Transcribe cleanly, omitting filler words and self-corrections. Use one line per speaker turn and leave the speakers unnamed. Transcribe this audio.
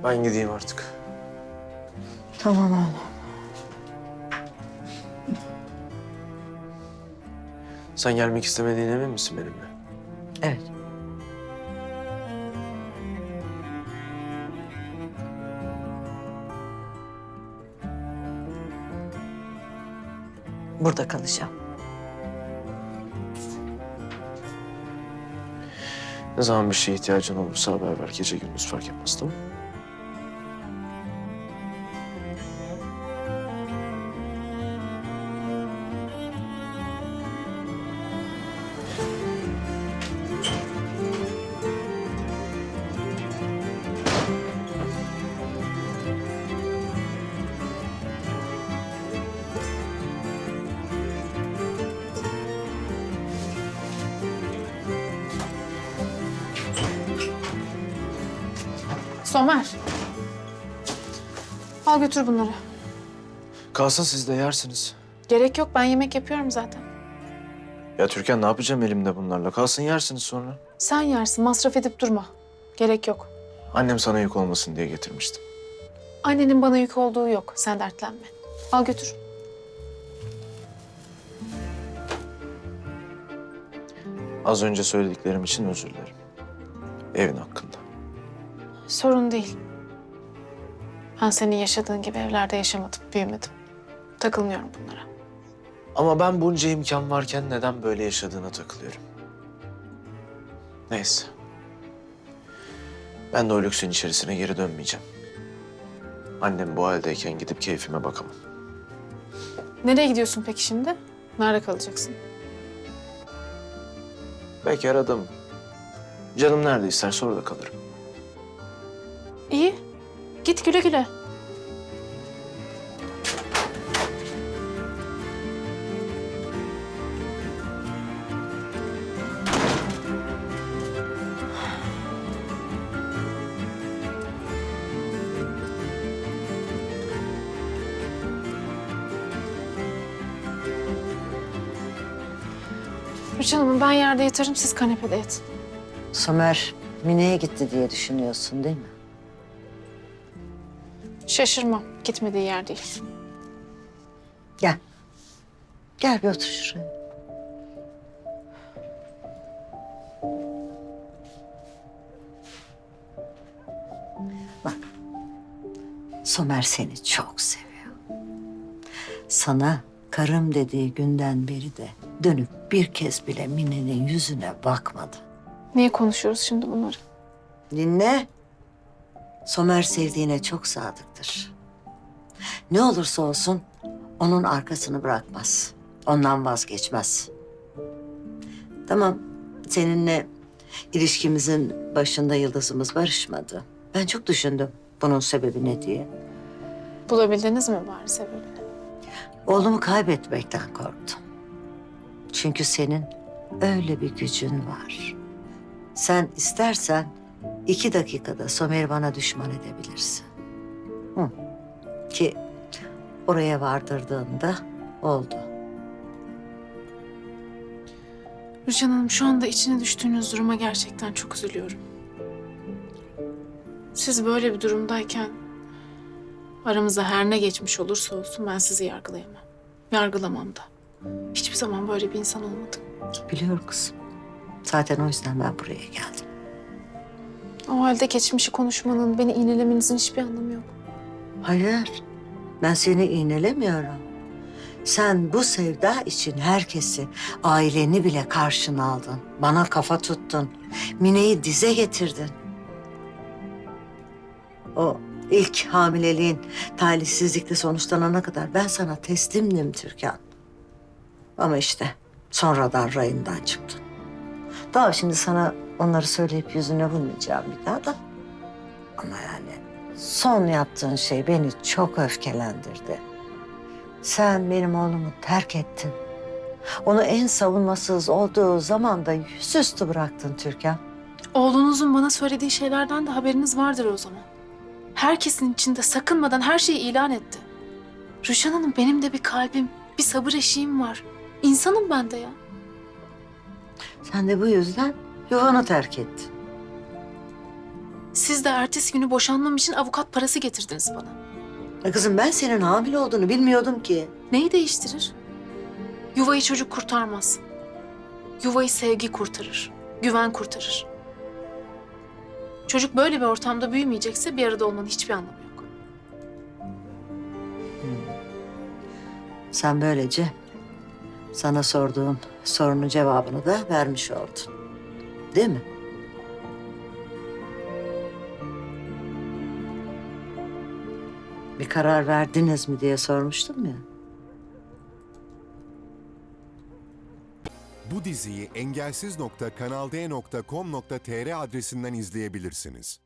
Ben gideyim artık.
Tamam oğlum.
Sen gelmek istemediğine emin misin benimle?
Evet. Burada kalacağım.
Ne zaman bir şeye ihtiyacın olursa haber ver. Gece gündüz fark etmez, tamam mı?
Somer. Al götür bunları.
Kalsın, siz de yersiniz.
Gerek yok, ben yemek yapıyorum zaten.
Ya Türkan, ne yapacağım elimde bunlarla? Kalsın, yersiniz sonra.
Sen yersin, masraf edip durma. Gerek yok.
Annem sana yük olmasın diye getirmiştim.
Annenin bana yük olduğu yok, sen dertlenme. Al götür.
Az önce söylediklerim için özür dilerim. Evin hakkında.
Sorun değil. Ben senin yaşadığın gibi evlerde yaşamadım, büyümedim. Takılmıyorum bunlara.
Ama ben bunca imkan varken neden böyle yaşadığına takılıyorum. Neyse. Ben de o lüksün içerisine geri dönmeyeceğim. Annem bu haldeyken gidip keyfime bakamam.
Nereye gidiyorsun peki şimdi? Nerede kalacaksın?
Belki aradım. Canım nerede isterse orada kalırım.
İyi. Git güle güle. Rüçhan Hanım, ben yerde yatarım, siz kanepede yatın.
Somer Mine'ye gitti diye düşünüyorsun değil mi?
Şaşırmam, gitmediği yer değil.
Gel. Gel bir otur şuraya. Bak. Somer seni çok seviyor. Sana karım dediği günden beri de dönüp bir kez bile Mine'nin yüzüne bakmadı.
Niye konuşuyoruz şimdi bunları?
Dinle. Somer sevdiğine çok sadıktır. Ne olursa olsun onun arkasını bırakmaz. Ondan vazgeçmez. Tamam, seninle ilişkimizin başında yıldızımız barışmadı. Ben çok düşündüm bunun sebebi ne diye.
Bulabildiniz mi bari sebebini?
Oğlumu kaybetmekten korktum. Çünkü senin öyle bir gücün var. Sen istersen 2 dakikada Somer'i bana düşman edebilirsin. Hı. Ki oraya vardırdığında oldu.
Rüçhan Hanım, şu anda içine düştüğünüz duruma gerçekten çok üzülüyorum. Siz böyle bir durumdayken aramızda her ne geçmiş olursa olsun ben sizi yargılayamam. Yargılamam da. Hiçbir zaman böyle bir insan olmadım.
Biliyorum kızım. Zaten o yüzden ben buraya geldim.
O halde geçmişi konuşmanın, beni iğnelemenizin hiçbir anlamı yok.
Hayır, ben seni iğnelemiyorum. Sen bu sevda için herkesi, aileni bile karşına aldın. Bana kafa tuttun. Mine'yi dize getirdin. O ilk hamileliğin talihsizlikle sonuçlanana kadar ben sana teslimdim Türkan. Ama işte sonradan rayından çıktın. Daha şimdi sana onları söyleyip yüzüne vurmayacağım bir daha da. Ama yani son yaptığın şey beni çok öfkelendirdi. Sen benim oğlumu terk ettin. Onu en savunmasız olduğu zaman da yüzüstü bıraktın Türkan.
Oğlunuzun bana söylediği şeylerden de haberiniz vardır o zaman. Herkesin içinde sakınmadan her şeyi ilan etti. Rüçhan Hanım, benim de bir kalbim, bir sabır eşiğim var. İnsanım ben de ya.
Sen de bu yüzden yuvanı terk ettin.
Siz de ertesi günü boşanmam için avukat parası getirdiniz bana.
Kızım ben senin hamile olduğunu bilmiyordum ki.
Neyi değiştirir? Yuvayı çocuk kurtarmaz. Yuvayı sevgi kurtarır, güven kurtarır. Çocuk böyle bir ortamda büyümeyecekse bir arada olmanın hiçbir anlamı yok.
Sen böylece sana sorduğum sorunun cevabını da vermiş oldun. Değil mi? Bir karar verdiniz mi diye sormuştum ya.
Bu diziyi engelsiz.kanalde.com.tr adresinden izleyebilirsiniz.